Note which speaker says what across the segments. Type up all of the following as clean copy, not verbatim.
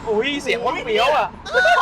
Speaker 1: อุ้ยเสียงว่าเปรี้ยวอ่ะ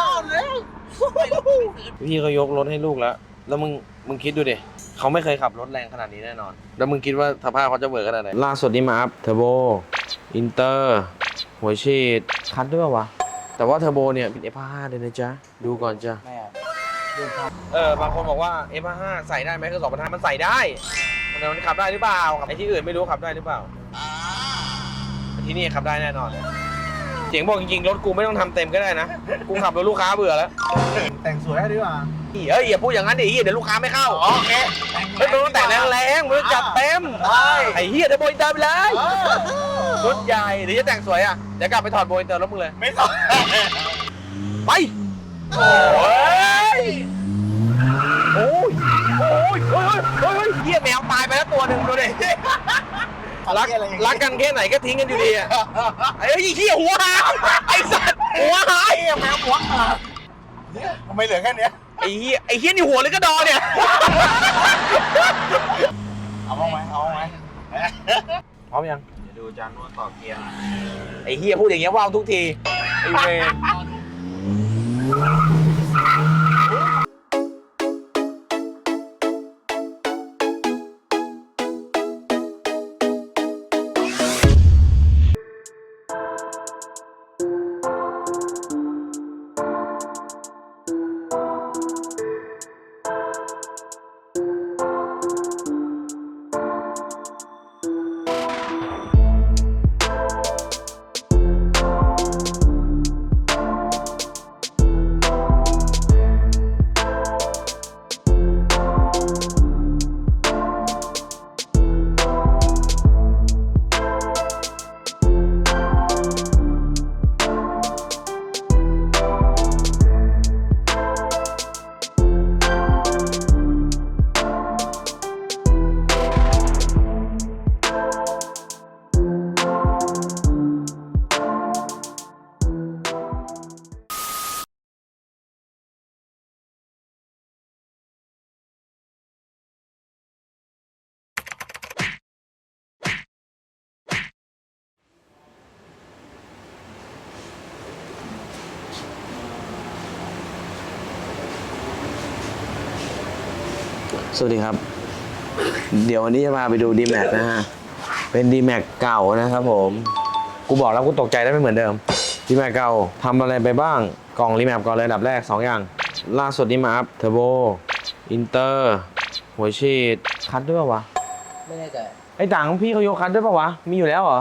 Speaker 1: พี่เขายกรถให้ลูกแล้วมึงคิดดูดิเขาไม่เคยขับรถแรงขนาดนี้แน่นอน แล้วมึงคิดว่าสภาพเขาจะเบิร์ขนาดไหนล่าสุดนี่มาอัพเทอร์โบอินเตอร์หัวฉีดคัดด้วยวะแต่ว่าเทอร์โบเนี่ยเป็น F5 เลยนะจ๊ะดูก่อนจ้ะบางคนบอกว่า F5 ใส่ได้ไหมคือ2,500มันใส่ได้มันขับได้หรือเปล่าไอ้ที่อื่นไม่รู้ขับได้หรือเปล่าที่นี่ขับได้แน่นอนเจ๋งบอกจริงๆรถกูไม่ต้องทำเต็มก็ได้นะกูขับรถลูกค้าเบื่อแล้ว
Speaker 2: แต่งสวยได้ดีกว่า
Speaker 1: อย่าพูดอย่างนั้นดิเดี๋ยวลูกค้าไม่เข้าโอเคไม่ต้องแต่งแรงๆมึงจัดเต็มไอ้เหี้ยเดี๋ยวโบยเติมไปเลยรถใหญ่หรือจะแต่งสวยอ่ะเดี๋ยวกลับไปถอดโบยเติมรถมึงเลย
Speaker 2: ไม่ต้อง
Speaker 1: ไปโอ้ยเหี้ยแมวตายไปแล้วตัวหนึ่งดูดิรักกันแค่ไหนก็ทิ้งกันอยู่ดีอ่ะไอ้เหี้ยหัวหายไอ้สัตว์หัวหาย
Speaker 2: แมวหัวขาดทำไมเหลือแค่นี้
Speaker 1: ไอ้เหี้ยนี่หัวหรือกระดอเนี่ย
Speaker 2: เอาไหม
Speaker 1: พร้อมยัง
Speaker 2: เดี๋ยวดูจานนวดต่อเกียร์
Speaker 1: ไอ้เหี้ยพูดอย่างเงี้ยว่าวทุกทีไอ้เวสวัสดีครับเดี๋ยววันนี้จะพาไปดู D-Max นะฮะเป็น D-Max เก่านะครับผมกูบอกแล้วกูตกใจได้ไม่เหมือนเดิม D-Max เก่าทำอะไรไปบ้างกล่อง D-Max ก่อนเลยอันดับแรก2อย่างล่าสุดนี่มาอัพเทอร์โบอินเตอร์หัวฉีดคัดด้วยป่าววะ
Speaker 3: ไม่แน่ใจ
Speaker 1: ไอ้ต่างพี่เขายกคัดด้วยป่าววะมีอยู่แล้วเหรอ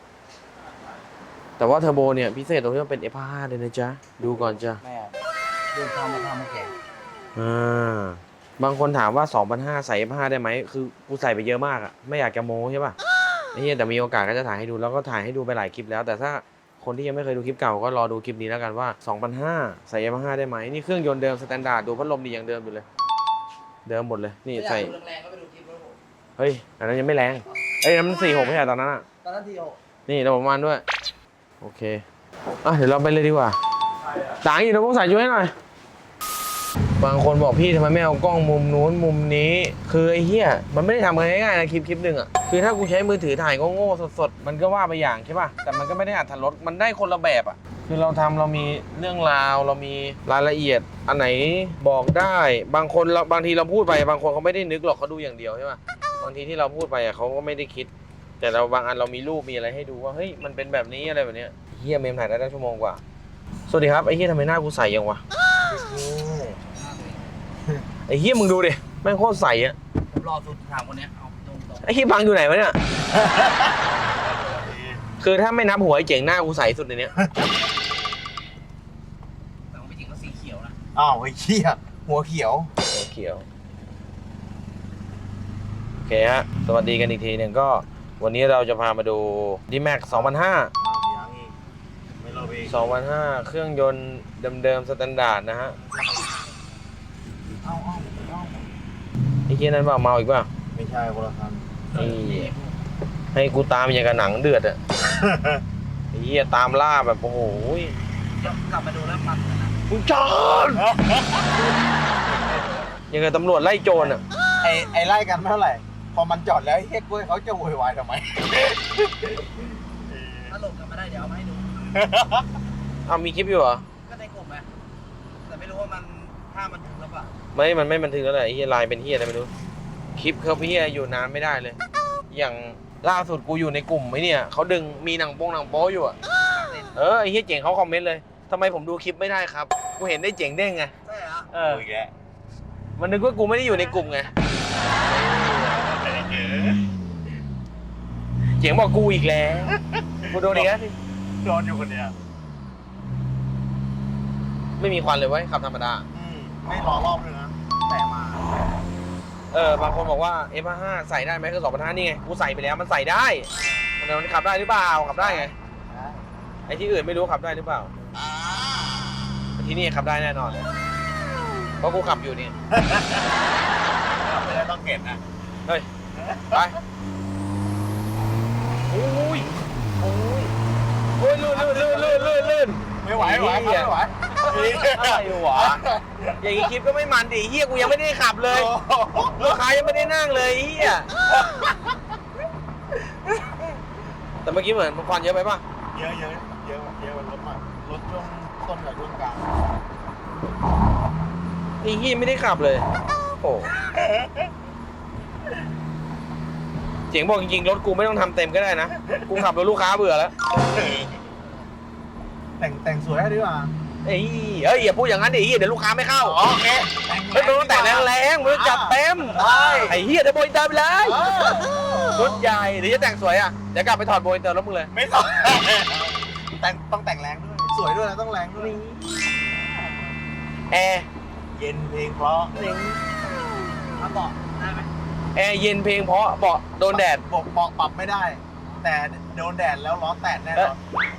Speaker 1: แต่ว่าเทอร์โบเนี่ยพิเศษตรงที่มันเป็น F5 เลยนะจ๊ะดูก่อนจ้ะ
Speaker 3: ไม่เดินทางมาทำมาแข่ง
Speaker 1: บางคนถามว่า 2,500 ใส่ F5 ได้ไหมคือกูใส่ไปเยอะมากอะไม่อยากจะโม้ใช่ป่ะไอ้เหี้ยแต่มีโอกาสก็จะถ่ายให้ดูแล้วก็ถ่ายให้ดูไปหลายคลิปแล้วแต่ถ้าคนที่ยังไม่เคยดูคลิปเก่าก็รอดูคลิปนี้แล้วกันว่า 2,500 ใส่ F5 ได้ไหมนี่เครื่องยนต์เดิมสแตนดาร์ดดูพัดลมดีอย่างเดิมอยู่เลยเดิมหมดเลยนี่ใส่
Speaker 3: แรงก็ไปดูคลิปแล้วผม
Speaker 1: เฮ้ยอันนั้นยังไม่แรงไอ้นั้นมัน46ไม่ใช่ตอนนั้นอะ
Speaker 3: ตอนนั้นที่
Speaker 1: นี่ระบบมันด้วยโอเคเดี๋ยวเราไปเลยดีกว่าต่างอีกเราต้องใส่ช่วยให้หน่อยบางคนบอกพี่ทำไมไม่เอากล้องมุมนู้นมุมนี้คือไอ้เหี้ยมันไม่ได้ทำง่ายๆนะคลิปหนึ่งอ่ะคือถ้ากูใช้มือถือถ่ายโง่ๆสดๆมันก็ว่าไปอย่างใช่ป่ะแต่มันก็ไม่ได้อรรถรสมันได้คนละแบบอ่ะคือเรามีเรื่องราวเรามีรายละเอียดอันไหนบอกได้บางทีเราพูดไปบางคนเขาไม่ได้นึกหรอกเขาดูอย่างเดียวใช่ป่ะบางทีที่เราพูดไปอ่ะเขาก็ไม่ได้คิดแต่เราบางอันเรามีรูปมีอะไรให้ดูว่าเฮ้ยมันเป็นแบบนี้อะไรแบบเนี้ยเหี้ยเมมถ่ายได้ชั่วโมงกว่าสวัสดีครับไอ้เหี้ยทำไมหน้ากูใสยังวะไอ้เหี้ยมึงดูดิแม่งโคตรใสอ่ะ
Speaker 3: ผมรอสุดถามคนนี้เอาตรง
Speaker 1: ไอ้เหี้ยบังอยู่ไหนวะเนี่ยคือถ้าไม่นับหัวไอ้เจ๋งหน้ากูใสสุดในเนี้ย
Speaker 3: แต่ไม่จริงก็สีเขียวนะ
Speaker 2: อ้าวไอ้เหี้ยหัวเขียว
Speaker 1: โอเคฮะสวัสดีกันอีกทีหนึ่งก็วันนี้เราจะพามาดู D-Max 2,500 เครื่องยนต์เดิมๆสแตนดาร์ดนะฮะไอ้เหี้ยนั้นเปล่าเมาอีกเปล่า
Speaker 2: ไม่ใช่คนละคัน
Speaker 1: ให้กูตามอย่างกับหนังเดือดอ่ะไอ้เหี้ยตามล่าแบบโอ้โห
Speaker 3: กลับมาดูแล้วมันนะ
Speaker 1: คุณจอนยังไงตำรวจไล่โจรอ่ะ
Speaker 2: ไอ้ไล่กันไม่เท่าไหร่พอมันจอดแล้วเฮ้ยกล้วยเขาจะโวยวายทำไม
Speaker 3: ถ้าหลบกันมาได้เดี๋ยวเอามาให้ดู
Speaker 1: เอามีคลิปอยู่เหรอ
Speaker 3: ก็ในกลุ่มไงแต่ไม่รู้ว่ามันถ้ามันถึงหรือเปล่า
Speaker 1: มันไม่บันทึกแล้วแหละไอ้เฮียไลน์เป็นเฮียอะไรไม่รู้ คลิปเขาเฮียอยู่นานไม่ได้เลย อย่างล่าสุดกูอยู่ในกลุ่มไอ้เนี่ยเขาดึงมีหนังโป๊อยู่อะไอ้เฮียเจ๋งเขาคอมเมนต์เลยทำไมผมดูคลิปไม่ได้ครับ กูเห็นได้เจ๋งได้ไง
Speaker 3: ใช่เหรอ
Speaker 2: อีกแล้ว
Speaker 1: มันนึกว่ากูไม่ได้อยู่ในกลุ่มไง เจ๋งบอกกูอีกแล้วกูโดนอีกแล้วสิ
Speaker 2: โดนอยู่คนเดียว
Speaker 1: ไม่มีควันเลยเว้ยขับธรรมดา
Speaker 2: ไม่รอรอบเลยนะ แต่มา
Speaker 1: บางคนบอกว่า F5 ใส่ได้ไหมคือ2.5นี่ไง กูใส่ไปแล้วมันใส่ได้แต่มันขับได้หรือเปล่า ขับได้ไง ไอ้ที่อื่นไม่รู้ขับได้หรือเปล่าแต่ที่นี่ขับได้แน่นอน เพราะกูขับอยู่นี่
Speaker 2: ไม่ได้ต้องเก็บนะ
Speaker 1: เฮ้ย ไป โอ้ย โอ้ย โอ้ยลื่น
Speaker 2: ไม่ไหวไม่ไหวไม่ไหว
Speaker 1: อะไรวะ อย่างนี้คลิปก็ไม่มันดิเฮียกูยังไม่ได้ขับเลย ลูกค้ายังไม่ได้นั่งเลยเฮียแต่เมื่อกี้เหมือนควันเยอะไปป่ะ
Speaker 2: เยอะมันรถมากรถช่วงต้นกับช่วงกลาง
Speaker 1: ไอ้เฮียไม่ได้ขับเลย โอ้เจ๋งบอกจริงๆรถกูไม่ต้องทำเต็มก็ได้นะ กูขับรถลูกค้าเบื่อแล้ว
Speaker 2: แต่งสวยให้ดีกว่า
Speaker 1: อย่าพูดอย่างนั้นดิเดี๋ยวลูกค้าไม่เข้า
Speaker 2: โอเค
Speaker 1: เฮ้ยมึงต้องแต่งแรงๆมึงต้องจัดเต็ม
Speaker 2: ได้
Speaker 1: ไอ้เฮียเดี๋ยวโบยเติมไปเลยรถใหญ่เดี๋ยวจะแต่งสวยอ่ะเดี๋ยวกลับไปถอดโบยเติมรถมึงเลย
Speaker 2: ไม่ต้องต้องแต่งแรงด้วย สวยด้วยนะต้องแรงด้วย
Speaker 1: แอร์
Speaker 2: เย็นเพลงเพราะ
Speaker 3: มาบอกได้ไหม
Speaker 1: แอร์เย็นเพลงเพราะเบาะโดนแดด
Speaker 2: บอกปรับไม่ได้ แต่โดนแดดแล้วล้อแตกแน่นอน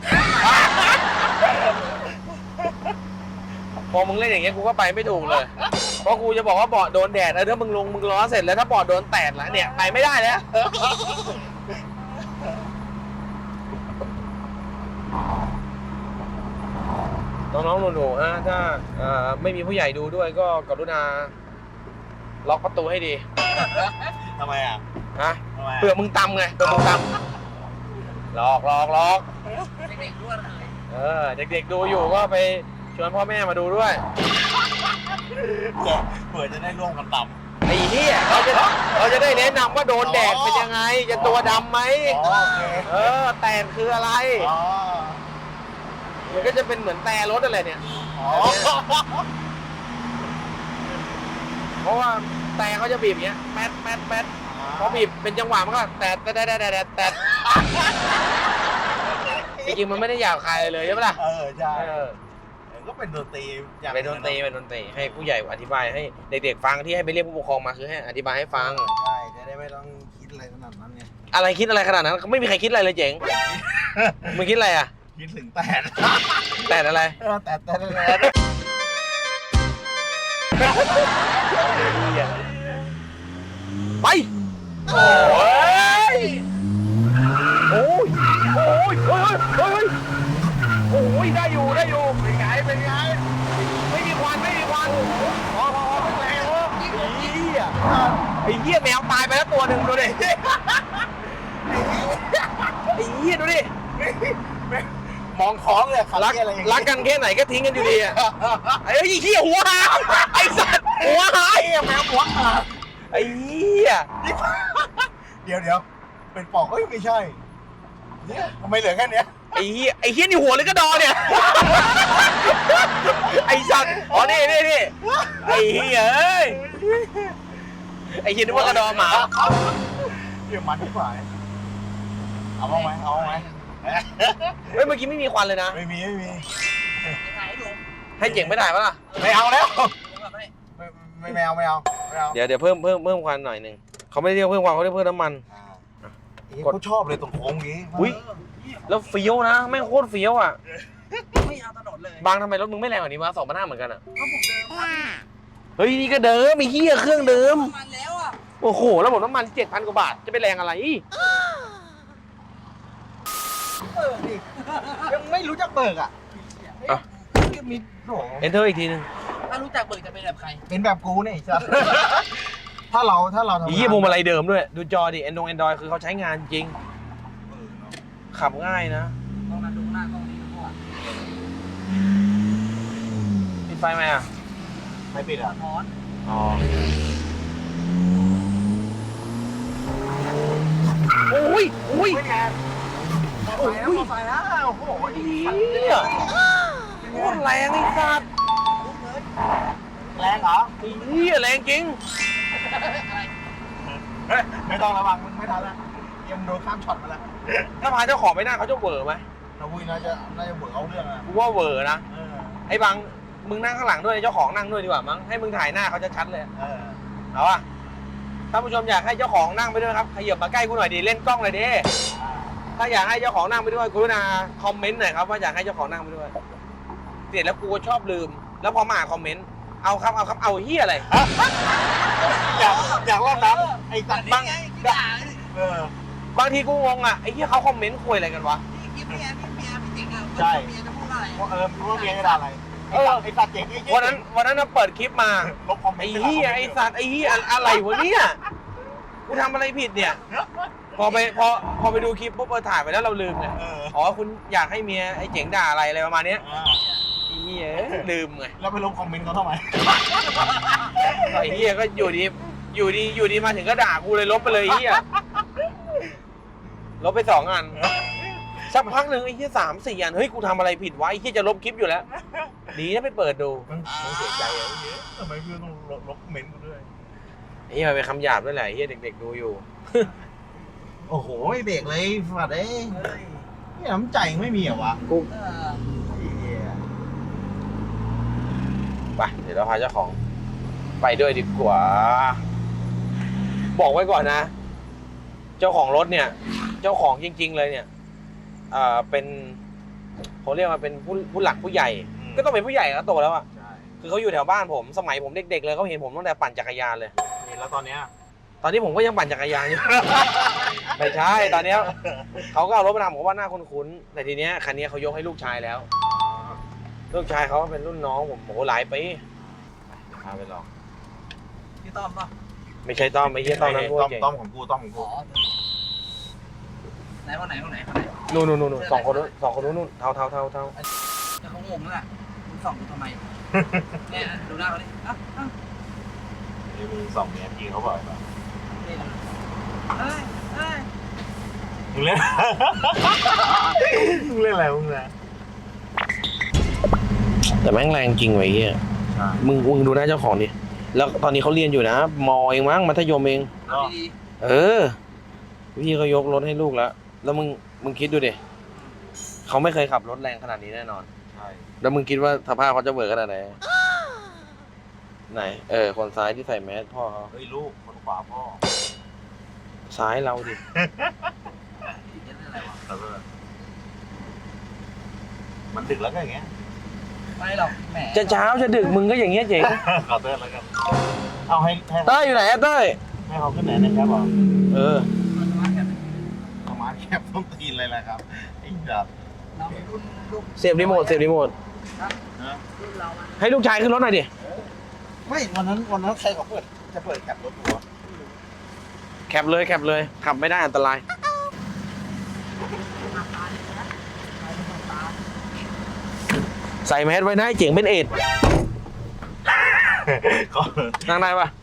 Speaker 1: พอมึงเล่นอย่างเงี้ยกูก็ไปไม่ถูกเลย เพราะกูจะบอกว่าเบาะโดนแดดถ้ามึงลงมึงล้อเสร็จแล้วถ้าเบาะโดนแตกแล้วเนี่ยไปไม่ได้แล้วน้องๆหนูๆถ้าไม่มีผู้ใหญ่ดูด้วยก็กรุณาล็อกประตูให้ดี
Speaker 2: ทำไมอ่ะ
Speaker 1: ฮะ
Speaker 2: ทำไม
Speaker 1: เผื่อมึงตำไงเผื่อมึงตำล็อก
Speaker 3: เด็กๆด้วยเลย
Speaker 1: เด็กๆดูอยู่ก็ไปชวนพ่อแม่มาดูด้วย
Speaker 2: เผื่อจะได้ร่วมกันต่
Speaker 1: ไอ้เหี้ยเราจะได้แนะนำว่าโดนแดดเป็นยังไง จะตัวดำไหม
Speaker 2: ำโอเค
Speaker 1: แตนคืออะไร
Speaker 2: อ๋อ
Speaker 1: มันก็จะเป็นเหมือนแต่รถอะไรเนี่ย
Speaker 2: อ๋อ
Speaker 1: เพราะว่าแต่เขาจะบีบอย่างเงี้ยแป๊ดพอบีบเป็นจังหวะมันก็แตดจริงๆมันไม่ได้หยาบคายเลยใช่ไหมล่ะ
Speaker 2: ใช่ก็เป็นดนตรีอย่าง
Speaker 1: เป็นดนตรีให้ผู้ใหญ่อธิบายให้เด็กๆฟังที่ให้ไปเรียกผู้ปกครองมาคือให้อธิบายให้ฟัง
Speaker 2: ใช่จะได้ไม่ต้องคิดอะไรขนาดนั้นไง
Speaker 1: อะไรคิดอะไรขนาดนั้นไม่มีใครคิดอะไรเลยเจ๋งมึงคิดอะไรอ่ะ
Speaker 2: คิดถึงแตด
Speaker 1: แต่อะไร
Speaker 2: แตด
Speaker 1: ไปโอ้ยโอ้ยได้อยู่เป็นไงไม่มีควันพอเป็นแรงวะไอ้เหี้ยแมวตายไปแล้วตัวหนึ่งดูดิไอ้เหี้ยดูดิ
Speaker 2: มองท้องเลยขับ
Speaker 1: รักกันแค่ไหนก็ทิ้งกันอยู่ดีอ่ะไอ้เหี้ยหัวหายไอ้สัตว์หัวหาย
Speaker 2: แมวหัวขาด
Speaker 1: ไอ้เหี้ย
Speaker 2: เดี๋ยวเป็นปอกไม่ใช่เนี่ยทำไมเหลือแค่เนี้ย
Speaker 1: ไอ้เหี้ยนี่หัวหรือกระดอเนี่ยไอ้สัตว์อ๋อนี่ไอ้เหี้ยเอ้ยไอ้เหี้ยนึกว่ากระดอหมา
Speaker 2: เดี๋ยวมันที่ฝ่ายเอาไหม
Speaker 1: เฮ้ยเมื่อกี้ไม่มีควันเลยนะ
Speaker 2: ไม่มี
Speaker 3: ถ่ายให้ดู
Speaker 1: ให้เจ๋งไม่ถ่ายปะล่ะ
Speaker 2: ไม่เอาแล้ว
Speaker 3: ดูแบบให้
Speaker 2: ไม่เอา
Speaker 1: เดี๋ยวเพิ่มควันหน่อยหนึ่งเขาไม่ได้เรียกเพิ่มควันเขาเรียกเพิ่มน้ำมัน
Speaker 2: เขาชอบเลยตรงโค้งนี้
Speaker 1: อุ้ยแล้วเฟี้ยวนะแม่งโคตรเฟี้ยวอ่ะ
Speaker 3: ไม่เอาถนนเลย
Speaker 1: บางทำไมรถมึงไม่แรงกว่านี้วะ2,500เหมือนกันอ่ะ
Speaker 3: ก็ผมเดิมมา
Speaker 1: เฮ้ยนี่ก็เดิมมีเหี้ยเครื่องเดิม
Speaker 3: มันแล้วอ่ะ
Speaker 1: โอ้โหแล้วผมน้ำมัน 7,000 กว่าบาทจะไปแรงอะไร
Speaker 2: ดิยังไม่รู้จักเบิกอ่ะ
Speaker 1: อ่ะ
Speaker 2: มีโห
Speaker 1: enter อีกทีนึง
Speaker 3: ถ้ารู้จักเบิกจะเป็นแบบใคร
Speaker 2: เป็นแบบกูเนี่ยจ้ะถ้าเราทำ
Speaker 1: อีพวงมาลัยเดิมด้วยดูจอดิ Android คือเขาใช้งานจริงขับง่ายนะ
Speaker 3: ต้องมาดูหน้ากล้องนี้ดูก่อน
Speaker 1: ไฟไหมอ่ะ
Speaker 2: ไม่ปิดอ่ะ
Speaker 3: ถอน
Speaker 1: อ๋อโอ้ยโอ้ย
Speaker 2: ไม่แรงโอ้ยไฟแล้วโอ้โห
Speaker 1: เนี่ยโคตรแรงไอ้สัตว์
Speaker 2: แรงเหรอ
Speaker 1: ไอ้เหี้ยแรงจริง
Speaker 2: ไม่ต้องระวังมึงไม่ทันแล้วยังโดนข้ามช็อตมาแล้ว
Speaker 1: ถ้าพาเจ้าของไปนั่งเขาจะเวอร์ไหม
Speaker 2: นาวุ้ยน่าจะเบิกเอาเรื่องอ่ะ
Speaker 1: กูว่าเวอร์นะ
Speaker 2: เออ
Speaker 1: ไอ้บังมึงนั่งข้างหลังด้วยเจ้าของนั่งด้วยดีกว่ามั้งให้มึงถ่ายหน้าเขาจะชัดเลย
Speaker 2: เออ
Speaker 1: เอาป่ะถ้าผู้ชมอยากให้เจ้าของนั่งไปด้วยครับขยับมาใกล้กูหน่อยดิเล่นกล้องเลยดิถ้าอยากให้เจ้าของนั่งไปด้วยกรุณาคอมเมนต์หน่อยครับว่าอยากให้เจ้าของนั่งไปด้วยเสร็จแล้วกูก็ชอบลืม แล้วพอมาอ่านคอมเมนต์เอาครับเอาเฮียอะไร
Speaker 2: อยากรอบน้ำไอ้สัตว์
Speaker 3: บ้างไงที่ด่า
Speaker 2: เออบ
Speaker 1: างทีกูงงอ่ะไอ้เฮียเขาคอมเมนต์คุยอะไรกันวะ
Speaker 3: พี่กิ๊บเมียพี่ติ๋งอ่ะเมียจะพูดอะไร
Speaker 2: ว่ารู้ว่าเมียจะด่าอะไรไอ้สัตว์เจ๋งไอ้
Speaker 1: วันนั้นเราเปิดคลิปมา
Speaker 2: ลบคอมเมน
Speaker 1: ไอ้
Speaker 2: ต์
Speaker 1: เฮียไอ้สัตว์ไอ้เฮียอะไรวะเนี่ยกูทำอะไรผิดเนี่ยพอไปดูคลิปปุ๊บถ่ายไปแล้วเราลืมไง อ๋อคุณอยากให้เมียไอ้เจ๋งด่าอะไรประมาณเนี้ยไอ้เหี้ยลืมไง
Speaker 2: แล้วไปลบคอมเมนต์เขาทำไม
Speaker 1: ไอ้เหี้ยก็อยู่ดีมาถึงก็ด่ากูเลยลบไปเลยไอ้เหี้ยลบไป2 อันสักพักหนึ่งไอ้เหี้ย3-4 อันเฮ้ยกูทำอะไรผิดวะไอ้เหี้ยจะลบคลิปอยู่แล้วดีนะไปเปิดดู
Speaker 2: ต้องเสียใจอ่ะทำไมเพื่อนต้องลบคอมเมนต์กูด้วย
Speaker 1: ไอ้เหี้ยมันเป็นคำหยาบด้วยแหละไอ้เหี้ยเด็กๆดูอยู่
Speaker 2: โอ้โหไม่เบรกเลยฝัดเอ้ยนี่น้ำใจไม่มีเหรอวะ
Speaker 1: กู
Speaker 3: เออ
Speaker 1: ไปเดี๋ยวเราพาเจ้าของไปด้วยดีกว่า บอกไว้ก่อนนะ เจ้าของรถเนี่ย เจ้าของจริง ๆ เลยเนี่ยเป็นเขาเรียกว่าเป็นผู้หลักผู้ใหญ่ ก็ต้องเป็นผู้ใหญ่แล้วโตแล้วอ่ะ
Speaker 2: ใช่
Speaker 1: คือเขาอยู่แถวบ้านผมสมัยผมเด็กๆเลยเขาเห็นผมตั้งแต่ปั่นจักรยานเลย
Speaker 2: นี่แล้วตอนเนี้ย
Speaker 1: ตอนนี้ผมก็ยังปั่นจักรยานอยู่ ไม่ใช่ตอนเนี้ยเขาก็เอารถมาทำผมว่าหน้าคุ้นๆแต่ทีเนี้ยคันนี้เขายกให้ลูกชายแล้ว ลูกชายเขาเป็นรุ่นน้องผมโอ้โหหลายปีพาไปลอง
Speaker 3: พี่ต้อมป่ะ
Speaker 1: ไม่ใช่ต้อมไม่ใช่ต้อมนั้นพวกเก่ง
Speaker 2: ต้อมของกูต้อมของ
Speaker 3: อ๋
Speaker 2: กู
Speaker 3: อไหนคนไหน
Speaker 1: นู่นสองคนนู้นเทา
Speaker 3: จะเขางงแล้วแหละคุณส่องกูทำไมเนี่ยดูหน้าเขาดิอ่ะ
Speaker 2: นี่มึงส่องเมียจริงเขาบอกป่ะ
Speaker 3: นี่เฮ้ย
Speaker 2: มึงเล่น มึงเล่นอะไรมึงนะ
Speaker 1: แต่แม่งแรงจริงไว้เหี้ย
Speaker 2: ใช่
Speaker 1: มึงดูหน้าเจ้าของดิแล้วตอนนี้เขาเรียนอยู่นะมอเองมั้งมัธยมเอง
Speaker 3: เอาดี
Speaker 1: เออพี่เขายกรถให้ลูกแล้วแล้วมึงคิดดูดิเขาไม่เคยขับรถแรงขนาดนี้แน่นอน
Speaker 2: ใช่
Speaker 1: แล้วมึงคิดว่าสภาพเขาจะเบิกขนาดไหนไหนคนซ้ายที่ใส่แมสพ่อเขา
Speaker 2: เฮ้ยลูกคนขวาพ่อ
Speaker 1: ซ้ายเราดิ
Speaker 3: ๆจะเรื่องอะไรวะ
Speaker 2: แต่ว่ามันดึกแล้วก็อย่างเงี้ย
Speaker 3: ไม่หรอกแหม
Speaker 1: จะเช้าจะดึกมึงก็อย่างเงี้ยเจ๋ง
Speaker 2: ขอเต้นแล้วกันเอาให้
Speaker 1: เต้ยอยู่ไหนอะเต้ย
Speaker 2: ให้เขาขึ้นไหนนะครับบอก
Speaker 1: เออ
Speaker 2: ประมาณแคบต้องตีนเลยแหละครับไอ้จับ
Speaker 3: เรารุ่นลูก
Speaker 1: เสียบรีโมท
Speaker 2: นะ
Speaker 3: รุ่นเรามัน
Speaker 1: ให้ลูกชายขึ้นรถหน่อยดิ
Speaker 2: ไม่วันนั้นใครเขาจะเปิดแคปรถหัว
Speaker 1: แคปเลยขับไม่ได้อันตรายใส่แมสไว้นะให้เจ๋งเป็นเอดส์
Speaker 2: ก็
Speaker 1: นั่งได้ปะ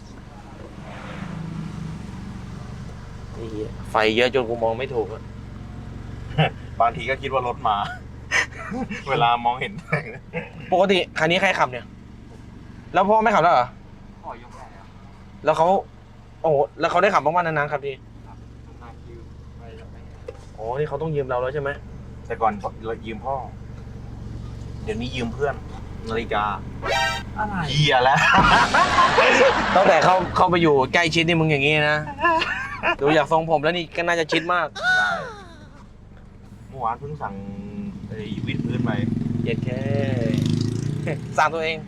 Speaker 1: ไอ้เหี้ยไฟเยอะจนกูมองไม่ถูกอะ
Speaker 2: บางทีก็คิดว่ารถมา เวลามองเห็น
Speaker 1: ปกติคันนี้ใครขับเนี่ย แล้วพ่อไม่ขับแล้วเหรอ
Speaker 3: ขอยกได้แล้ว
Speaker 1: แล้วเขาโอ้โหแล้วเขาได้ขับบ้างๆนานๆครับดี
Speaker 3: มาคิวไปแล้วไป
Speaker 1: โอ้นี่เขาต้องยืมเราแล้วใช่ไหม
Speaker 2: แต่ก่อนเรายืมพ่อ เดี๋ยวนี้ยืมเพื่อนนาฬิกา
Speaker 3: อะไร
Speaker 2: เหี้ยแล้ว
Speaker 1: ตั้งแต่เข้าไปอยู่ใกล้ชิดนี่มึงอย่างงี้นะ ดูอยากทรงผมแล้วนี่ก็น่าจะชิดมาก
Speaker 2: ใช่เมื่อวานเพิ่งสั่งไอ้วิดพื้นไป
Speaker 1: เย็ดแค่ สั่งตัวเอง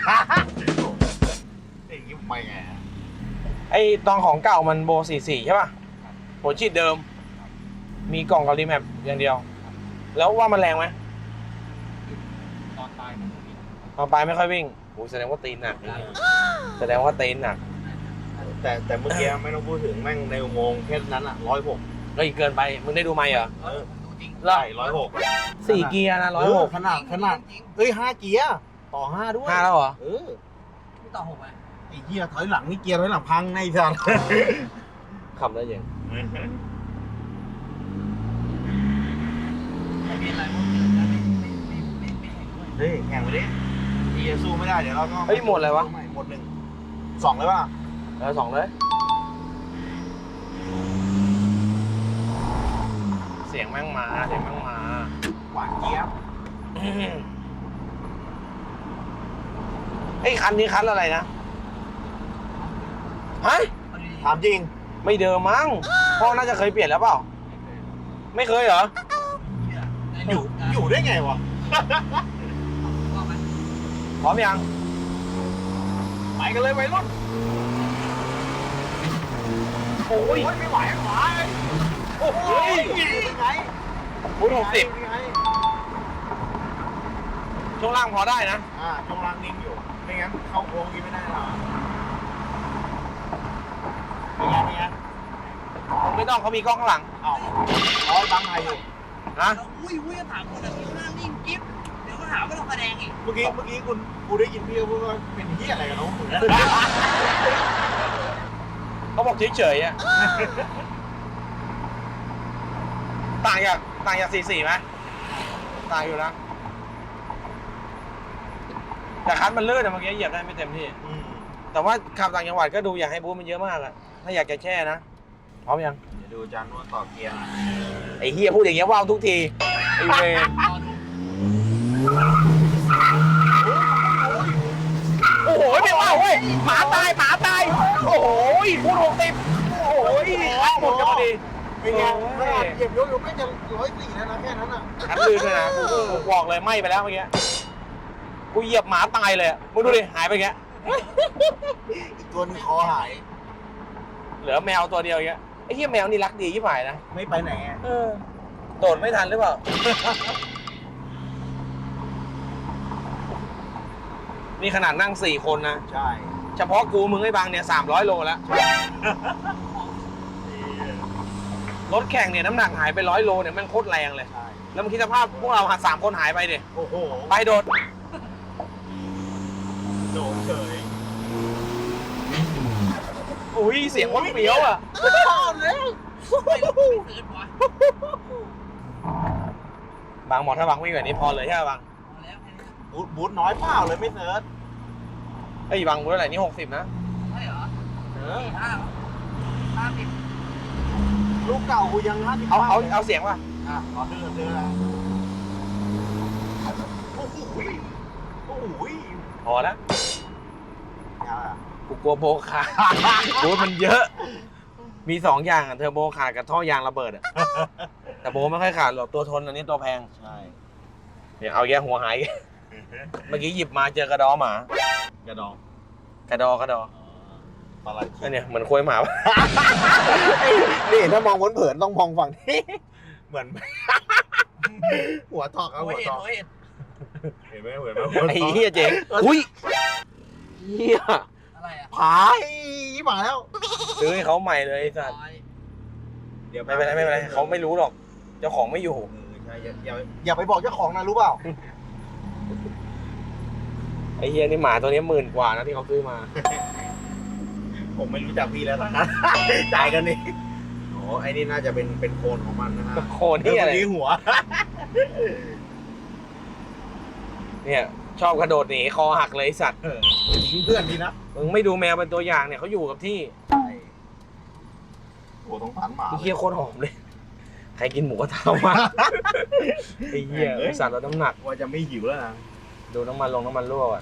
Speaker 2: ไอ้ยิ้มไม่ไง
Speaker 1: ไอ้ตอนของเก่ามันโบ44ใช่ป่ะหัวฉีดเดิม มีกล่องกับรีแมปอย่างเดียว แล้วว่ามันแรงไหม
Speaker 3: ตอนตายมันมี
Speaker 1: ตอนปลายไม่ค่อยวิ่งโอ้แสดงว่าตีนหนักแสดงว่าตีนหนัก
Speaker 2: แต่เมื่อกี้ไม่ต้องพูดถึงแม่งในอุโมงค์แค่นั้นอ่ะ106
Speaker 1: เฮ้ยเกินไป มึงได้ดูไหมเหรอ
Speaker 3: ดูจริง
Speaker 2: ไล่106
Speaker 1: 4 เกียร์นะ106
Speaker 2: ขนาดเอ้ย5 เกียร์ต่อ5ด้วย
Speaker 1: 5แล้วเหรอ
Speaker 3: ไม่ต่อ6ไหม
Speaker 2: ไอ้เหี้ยถอยหลังนี่เกียร์ถอยหลังพังในสัตว์
Speaker 1: ขับได้ยัง
Speaker 3: ไม่เป็นไรพวกนี้ไม่แข่งด้วย
Speaker 2: เฮ้ยแข่งไปดิเกียร์สู้ไม่ได้เดี๋ยวเราก็
Speaker 1: เฮ้ยหมดอะไรวะ
Speaker 2: หมด1 2เลยป่ะ
Speaker 1: 2เลยเสียงแม่งมา
Speaker 2: หวานเจี๊ยบ
Speaker 1: ไอ้คันนี้คันอะไรนะฮะ
Speaker 3: เอาดี
Speaker 2: ถามจริง
Speaker 1: ไม่เดิมมั้งพ่อน่าจะเคยเปลี่ยนแล้วเปล่าไม่เคยเหรอ
Speaker 3: ๆ
Speaker 2: อยู่ได้ไงวะ
Speaker 3: ว่าไหม
Speaker 1: พร้อมยัง
Speaker 2: ไปกันเลยวัยรุ่น
Speaker 1: โอ้ย
Speaker 2: ไม่ไหวโอ้โหเป็นไง
Speaker 1: พูด60
Speaker 2: เป็นไง
Speaker 1: ช่วงล่างพอได้นะ
Speaker 2: ช่วงล่างนิ่งอยู่ไม่งั้นเข้าโค้งกินไม่ได้หรอเป็นไง
Speaker 1: ไม่ต้องเขามีกล้องข้างหลัง
Speaker 2: อ้าวร้อยบังไทยอยู่
Speaker 1: นะ
Speaker 3: อุ้ยถามคนที่หน้านิ่งกิ๊บเดี๋ยวก็หาว่าเราแสดงอีก
Speaker 2: เมื่อกี้กูได้ยินพี่พูดว่าเป็นเหี้ยอะไรกันน้อง
Speaker 1: เขาบอกเฉยๆอ่ะต่างจาก44ไหมต่างอยู่นะแต่คันมันลื่นอะเมื่อกี้เหยียบได้ไม่เต็มที่ แต่ว่าขับต่างจังหวัดก็ดูอยากให้บูธมันเยอะมากอะถ้าอยากจะแช่นะพร้อมยัง
Speaker 2: เดี๋ยวดูจานนวดต่อเกียร์
Speaker 1: ไอ้เฮียพูดอย่างเงี้ยว่าวทุกทีไอ้เวร
Speaker 3: รอดู
Speaker 1: โอ้โหไม่ว่าวเว้ยหมาตายโอ้โหพูด60โอ้โหคันหมดกันพอดี
Speaker 2: เป็นไงขนาดเหยียบยกไม่จะ104แล้วนะแค่นั้นอ่ะ
Speaker 1: คันลื่นด้วยนะกูบอกเลยไหม้ไปแล้วเมื่อกี้กูเหยียบหมาตายเลยอะมึงดูดิหายไปแก
Speaker 2: อีกตัวนึงคอหาย
Speaker 1: เหลือแมวตัวเดียวอย่างเงี้ยไอ้เหี้ยแมวนี่รักดีที่หายนะ
Speaker 2: ไม่ไปไหนอ่ะ
Speaker 1: โดดไม่ทันหรือเปล่า นี่ขนาดนั่ง4 คนนะ
Speaker 2: ใช่
Speaker 1: เฉพาะกูมึงไอ้บางเนี่ย300 โลแล้ว รถแข่งเนี่ยน้ำหนักหายไป100 โลเนี่ยแม่งโคตรแรงเลย
Speaker 2: ใช่
Speaker 1: แล้วมึงคิดสภาพพวกเราหา3 คนหายไปดิ
Speaker 2: โอ้โห
Speaker 1: ไปโดด
Speaker 2: โดนเฉย
Speaker 1: อุ้ยเสียงวัดเปรี้ยวอ่ะ
Speaker 2: ไม่ชอบเลย
Speaker 3: ไม่ซื้อพอบ
Speaker 1: างหมอถ้าบางวิ่งแบบนี้พอเลยใช่ไหมบาง
Speaker 3: พอแล้วแค่นี้
Speaker 2: บูทน้อยเปล่าเลยไม่เนิร์ด
Speaker 1: ไอ้ยบางบูธอะไรนี่60นะ
Speaker 3: ใช่เหรอ
Speaker 2: เออ
Speaker 3: 50
Speaker 2: ลูกเก่ากูยัง50
Speaker 1: เอาเสียงว่ะ
Speaker 2: ขอเดือนะโอ้โหโอ้โห
Speaker 1: พอแล้ว
Speaker 2: ยาวอ่ะ
Speaker 1: กูกลัวโบขาดบูธมันเยอะ มี2 อย่างอะเทอร์โบขาดกับท่อยางระเบิดอะแต่โบไม่ค่อยขาดหรอกตัวทนอันนี้ตัวแพง
Speaker 2: ใช่
Speaker 1: เนี่ยเอาแย่หัวหาย เมื่อกี้หยิบมาเจอกระดอหมาก
Speaker 2: ระดอง
Speaker 1: กระดอ
Speaker 2: ปลาไหล
Speaker 1: อันเนี้ยเหมือนควยหมา
Speaker 2: นี่ถ้ามองเผินๆต้องมองฝั่งนี้เหมือน หัวทอกเอาหัวทอก
Speaker 3: เห็น
Speaker 2: เห็นไหมเหมือนไหมหัวทอก
Speaker 1: ไอ้เหี้ยเจ๋งอุ้ยเหี้ย
Speaker 3: อะไรอ่ะ
Speaker 2: ผายมาแล้ว
Speaker 1: ซื้อให้เขาใหม่เลยไอ้สัตว์
Speaker 2: เดี๋ยว
Speaker 1: ไม่เป็นไรเขาไม่รู้หรอก เจ้าของไม่อยู่
Speaker 2: ใช่อย่าไปบอกเจ้าของนะรู้เปล่า
Speaker 1: ไอ้เหี้ยนี่หมาตัวนี้10,000 กว่านะที่เขาซื้อมา
Speaker 2: ผมไม่รู้จักพี่แล้วนะ จ่ายกันนี่โอ้ไอ้นี่น่าจะเป็นโคนของมันนะฮะ
Speaker 1: โคนที่อะไร
Speaker 2: เมื่อกี้หัว
Speaker 1: เนี่ยชอบกระโดดหนีคอหักเลยไอ้สัตว์
Speaker 2: ทิ้งเพื่อนดีนะ
Speaker 1: มึงไม่ดูแมวเป็นตัวอย่างเนี่ยเขาอยู่กับที่
Speaker 2: ใช่โอ้ต้องผ่านหมา
Speaker 1: ไอ้เหี้ยโคตรหอมเลย ใครกินหมูกระทะมาไอ้เหี้ยไอ้สัตว์ลดน้ำหนัก
Speaker 2: ว่าจะไม่หิวแล้วนะ
Speaker 1: ดูน้ำมันรั่วอ่ะ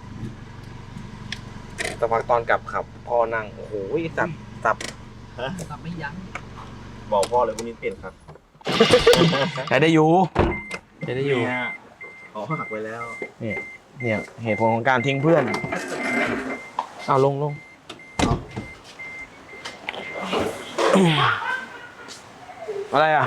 Speaker 1: แต่พักตอนกลับขับพอนั่งโอ้โหสับ
Speaker 3: ทำไม่ยั้ง
Speaker 2: บอกพ่อเลยวันนี้เปลี่ยนครับ
Speaker 1: ใช้ได้อยู่
Speaker 2: เขาหักไปแล้ว
Speaker 1: เนี่ยเหตุผลของการทิ้งเพื่อนเอาลงอะไรอ่ะ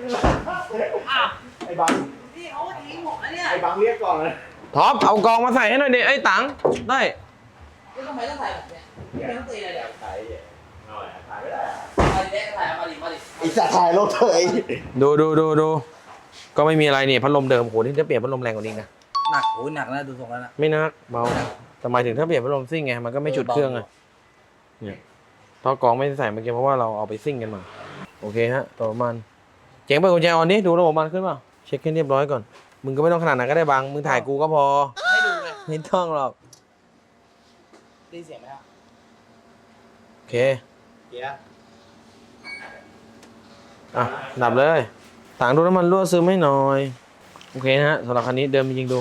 Speaker 2: ไอ้บัง
Speaker 3: นี่เขาทิ้งผมแล้วเนี่ย
Speaker 2: ไอ้บังเรียกก่อนเลย
Speaker 1: ท็อปเอากองมาใส่ให้หน่อยดิไอ้ตังได้
Speaker 3: นี่ทำไมต้องใส่แบบเนี้ยไม่ต้องตีเลยเดี๋ยว
Speaker 2: ถ่ายไม่ได้
Speaker 3: มาดิเด็กถ่ายมาดิ
Speaker 2: ไอ้สัตว์ถ่ายรถเถย
Speaker 1: ดูก็ไม่มีอะไรนี่พัดลมเดิมโหนี่จะเปลี่ยนพัดลมแรงกว่านี้นะ
Speaker 3: หนักโอ้ยหนักนะดูทรงแล้วนะ
Speaker 1: ไม่นักเบาแต่หมายถึงถ้าเปลี่ยนพัดลมซิ่งไงมันก็ไม่จุดเครื่องไงเนี่ยท่อกรองไม่ได้ใส่เมื่อกี้เพราะว่าเราเอาไปซิ่งกันมาโอเคฮะตัวประมาณเจ๋งไปกุญแจออนนี้ดูระบบมันขึ้นเปล่าเช็คให้เรียบร้อยก่อนมึงก็ไม่ต้องขนาดนั้นก็ได้บางมึงถ่ายกูก็พอ
Speaker 3: ให้ดูไง
Speaker 1: ไม่ต้องหรอก
Speaker 3: ได้เสียงไหมครับ
Speaker 1: โอเค
Speaker 2: เกียร์
Speaker 1: อ่ะดับเลยต่างดูน้ำมันรั่วซึมให้หน่อยโอเคนะฮะสำหรับคันนี้เดิมจริงๆดู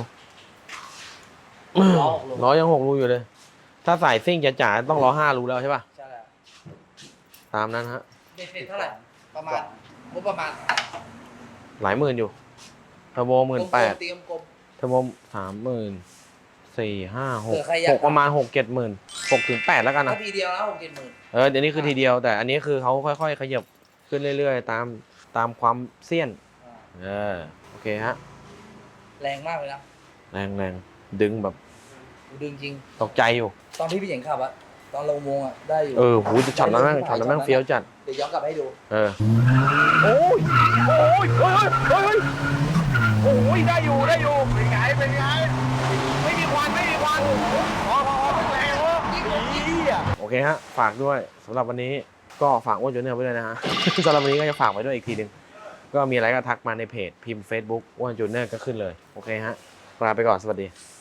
Speaker 1: ล้อยัง6 รูอยู่เลย ถ้าใส่ซิ่งจ๋าๆต้องล้อ5 รูแล้วใช่ป่ะ
Speaker 3: ใช่แล้ว
Speaker 1: ตามนั้นฮะ
Speaker 3: เด็ดเท่าไหร่ ประมาณงบประมาณ
Speaker 1: หลายหมื่นอยู่เทอร์โบ18,000
Speaker 3: เตรียมกลม
Speaker 1: เทอร์โบ34,000 5
Speaker 3: เผื่อใครอยาก
Speaker 1: 6ประมาณ6-7 หมื่น6 ถึง 8แล้วกัน
Speaker 3: ถ้า
Speaker 1: นะ
Speaker 3: ทีเดียวแล้ว60,000
Speaker 1: เดี๋ยวนี้คือทีเดียวแต่อันนี้คือเขาค่อยๆขยับขึ้นเรื่อยๆตามความเสี้ยนโอเคฮะ
Speaker 3: แรงมากเลยนะ
Speaker 1: แรงดึงแบบ
Speaker 3: ดึงจริง
Speaker 1: ตกใจอยู่
Speaker 3: ตอนที่พี่เจ๋งขับอะตอนลงวงอะได้อยู่
Speaker 1: หูจะช็อตนั้นแม่งเฟี้ยวจัด
Speaker 3: เดี๋ยวย้อนกลับให้ดู
Speaker 1: โอ้ยได้อยู่เป็นไงไม่มีควันพอแรงโอเคฮะฝากด้วยสำหรับวันนี้ก็ฝากอ้วนจูเนอร์ไว้ด้วยนะฮะ สำหรับวันนี้ก็จะฝากไว้ด้วยอีกทีหนึ่งก็มีอะไรก็ทักมาในเพจพิมพ์ Facebook อ้วนจูเนอร์ก็ขึ้นเลยโอเคฮะลาไปก่อนสวัสดี